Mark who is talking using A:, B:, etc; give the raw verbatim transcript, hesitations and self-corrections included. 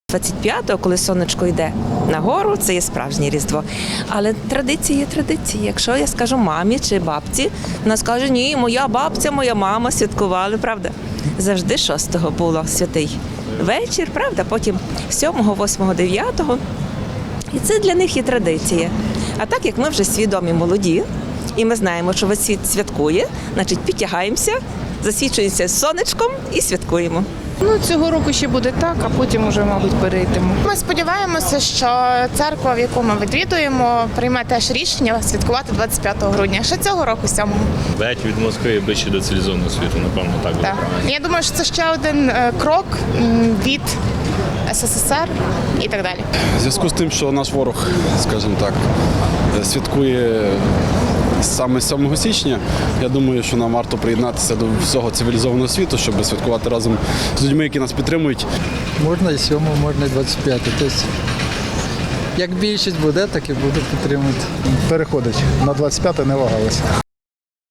A: двадцять п'ятого, коли сонечко йде нагору, це є справжнє Різдво. Але традиції є традиції. Якщо я скажу мамі чи бабці, вона скаже, ні, моя бабця, моя мама святкували, правда? Завжди шостого було святий вечір, правда? Потім сьомого, восьмого, дев'ятого. І це для них є традиція. А так як ми вже свідомі молоді, і ми знаємо, що весь світ святкує, значить підтягаємося, засвічуємося сонечком і святкуємо.
B: Ну, цього року ще буде так, а потім уже, мабуть, перейдемо.
C: Ми сподіваємося, що церква, в яку ми відвідуємо, прийме теж рішення святкувати двадцять п'ятого грудня. Ще цього року, сьомого.
D: Геть від Москви і ближче до цивілізованого світу, напевно, так буде
C: Так.
D: правильно.
C: Я думаю, що це ще один е, крок м, від ес ес ес ер і так далі.
E: В зв'язку з тим, що наш ворог, скажімо так, святкує саме сьомого січня, я думаю, що нам варто приєднатися до всього цивілізованого світу, щоб святкувати разом з людьми, які нас підтримують.
F: Можна і сьомого, можна і двадцять п'ятого. Тобто, як більшість буде, так і буду підтримувати.
G: Переходить на двадцять п'яте, не вагалися.